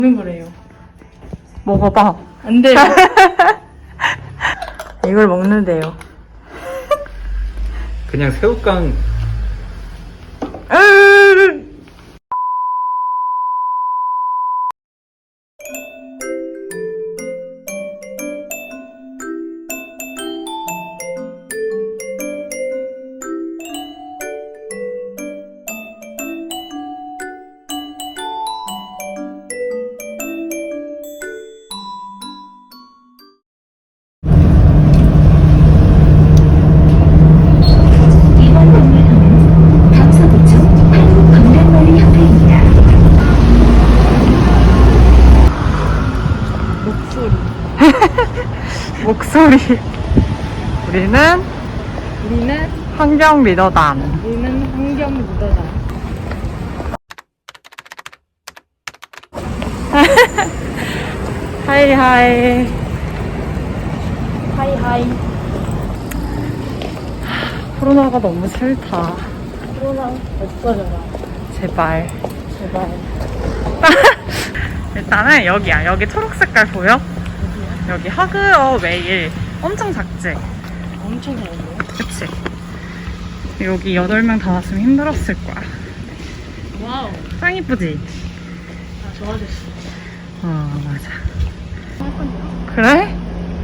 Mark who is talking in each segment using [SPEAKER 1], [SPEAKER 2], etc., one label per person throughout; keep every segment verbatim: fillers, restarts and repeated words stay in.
[SPEAKER 1] 먹는 거래요.
[SPEAKER 2] 먹어봐.
[SPEAKER 1] 안 돼요.
[SPEAKER 2] 이걸 먹는데요.
[SPEAKER 3] 그냥 새우깡.
[SPEAKER 4] 이번 건물은 강서구청 한국건강관리협회입니다.
[SPEAKER 2] 목소리. 우리는
[SPEAKER 1] 우리는
[SPEAKER 2] 환경 리더단.
[SPEAKER 1] 우리는 환경 리더다.
[SPEAKER 2] 하이 하이.
[SPEAKER 1] 하이 하이.
[SPEAKER 2] 코로나가 너무 싫다.
[SPEAKER 1] 코로나 없어져라.
[SPEAKER 2] 제발.
[SPEAKER 1] 제발.
[SPEAKER 2] 일단은 여기야. 여기 초록 색깔 보여? 여기 하그어 웨일. 엄청 작지?
[SPEAKER 1] 엄청 잘했네.
[SPEAKER 2] 그치? 여기 여덟 명 다 왔으면 힘들었을 거야.
[SPEAKER 1] 와우.
[SPEAKER 2] 짱 이쁘지?
[SPEAKER 1] 아 좋아졌어.
[SPEAKER 2] 어, 맞아. 그래?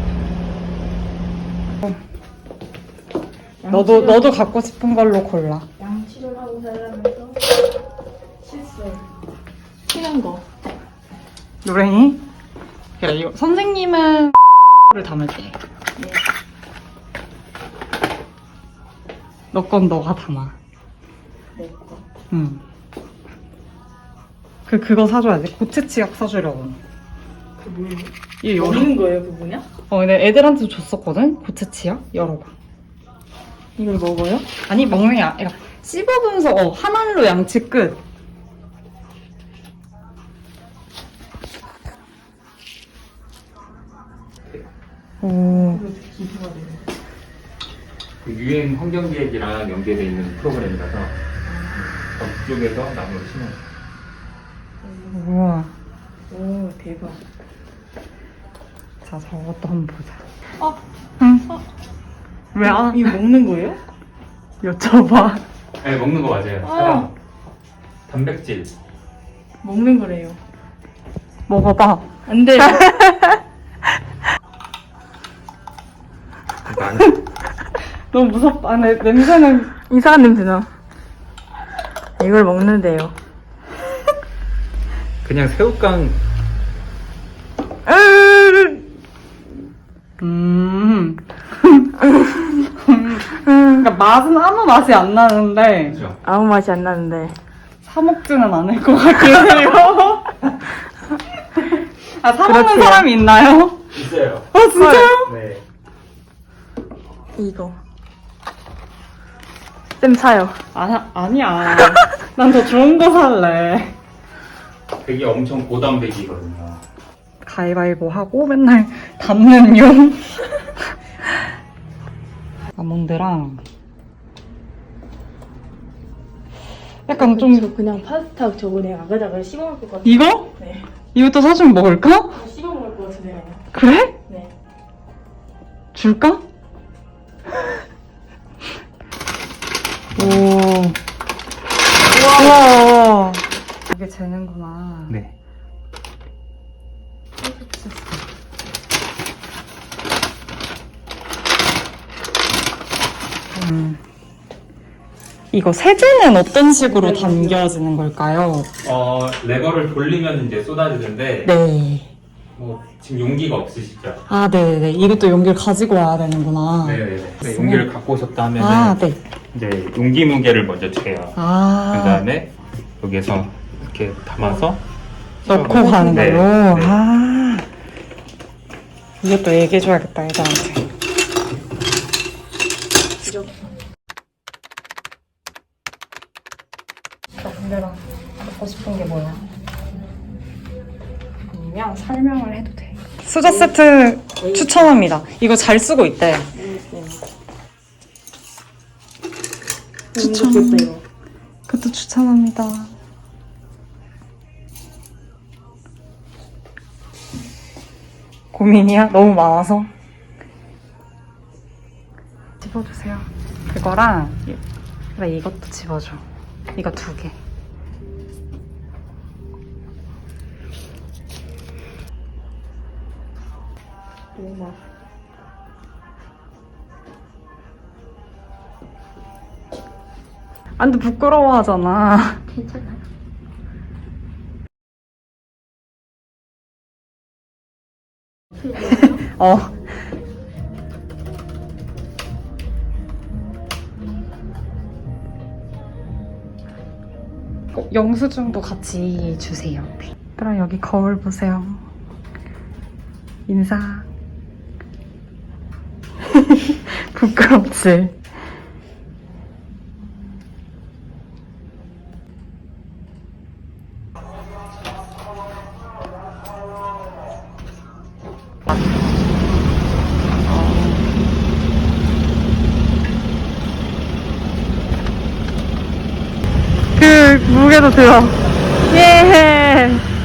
[SPEAKER 2] 너도, 너도 갖고 싶은 걸로 골라.
[SPEAKER 1] 양치를 하고 살면서 실수. 튀는 거.
[SPEAKER 2] 노랭이? 그래, 이거 선생님은 를 담을게.
[SPEAKER 1] 네.
[SPEAKER 2] 너 건 너가 담아.
[SPEAKER 1] 내 거.
[SPEAKER 2] 응. 그, 그거 사줘야지. 고체 치약 사주려고.
[SPEAKER 1] 그 뭐예요?
[SPEAKER 2] 이 열어.
[SPEAKER 1] 먹는 거예요, 그 뭐냐?
[SPEAKER 2] 어, 근데 애들한테 줬었거든? 고체 치약? 열어봐.
[SPEAKER 1] 이걸 먹어요?
[SPEAKER 2] 아니, 먹는 게 아니라 씹어보면서, 어, 한 알로 양치 끝. 오.
[SPEAKER 1] 기부가 돼요.
[SPEAKER 3] 그 유엔 환경기획이랑 연계되어 있는 프로그램이라서 그쪽에서 나무를 심어요.
[SPEAKER 2] 우와.
[SPEAKER 1] 오 대박.
[SPEAKER 2] 자, 저것도 한번 보자.
[SPEAKER 1] 어?
[SPEAKER 2] 응.
[SPEAKER 1] 어?
[SPEAKER 2] 왜 안?
[SPEAKER 1] 이거 먹는 거예요?
[SPEAKER 2] 여쭤봐.
[SPEAKER 3] 네, 먹는 거 맞아요.
[SPEAKER 1] 아.
[SPEAKER 3] 사람. 단백질.
[SPEAKER 1] 먹는 거래요.
[SPEAKER 2] 먹어봐.
[SPEAKER 1] 안 돼요.
[SPEAKER 3] 나는
[SPEAKER 2] 너무 무섭다. 아, 내, 냄새는 이상한 냄새나. 이걸 먹는데요.
[SPEAKER 3] 그냥 새우깡.
[SPEAKER 2] 음. 그러니까 맛은 아무 맛이 안 나는데
[SPEAKER 3] 그죠?
[SPEAKER 1] 아무 맛이 안 나는데.
[SPEAKER 2] 사 먹지는 않을 것 같아요. 아, 사 먹는
[SPEAKER 1] 그렇대요.
[SPEAKER 2] 사람이 있나요?
[SPEAKER 3] 있어요.
[SPEAKER 2] 아, 진짜요?
[SPEAKER 3] 네.
[SPEAKER 1] 이거. 쌤 사요.
[SPEAKER 2] 아, 아니야. 난 더 좋은 거 살래.
[SPEAKER 3] 되게 엄청 고단백이거든요.
[SPEAKER 2] 가위바위보 하고 맨날 담는 용. 아몬드랑 약간 좀
[SPEAKER 1] 저 그냥 파스타 저번에 아가다가 씹어 먹을 것 같아요.
[SPEAKER 2] 이거?
[SPEAKER 1] 네.
[SPEAKER 2] 이것도 사주면 먹을까?
[SPEAKER 1] 씹어 먹을 것 같은데요.
[SPEAKER 2] 그래?
[SPEAKER 1] 네.
[SPEAKER 2] 줄까? 오. 우와. 이게 재는구나.
[SPEAKER 3] 네.
[SPEAKER 2] 음. 이거 세제는 어떤 식으로 담겨지는 걸까요?
[SPEAKER 3] 어, 레버를 돌리면 이제 쏟아지는데,
[SPEAKER 2] 네.
[SPEAKER 3] 뭐, 지금 용기가 없으시죠?
[SPEAKER 2] 아, 네네. 이것도 용기를 가지고 와야 되는구나.
[SPEAKER 3] 네네네. 네, 용기를 갖고 오셨다 하면은,
[SPEAKER 2] 아, 네.
[SPEAKER 3] 이제 용기 무게를 먼저 재요.
[SPEAKER 2] 아.
[SPEAKER 3] 그 다음에, 여기서 이렇게 담아서,
[SPEAKER 2] 넣고
[SPEAKER 3] 네,
[SPEAKER 2] 가는
[SPEAKER 3] 네,
[SPEAKER 2] 걸로?
[SPEAKER 3] 네.
[SPEAKER 2] 아. 이것도 얘기해줘야겠다, 애들한테. 저 근데랑 갖고 싶은 게 뭐야? 아니면 설명을 해도 돼. 수저 세트 추천합니다. 이거 잘 쓰고 있대. 추천. 그것도 추천합니다. 고민이야? 너무 많아서? 집어주세요. 그거랑 그래 이것도 집어줘. 이거 두 개.
[SPEAKER 1] 너무
[SPEAKER 2] 안 돼, 부끄러워하잖아.
[SPEAKER 1] 괜찮아요.
[SPEAKER 2] 어. 어, 영수증도 같이 주세요. 그럼 여기 거울 보세요. 인사. 부끄럽지? 그 무게도 들어. 예.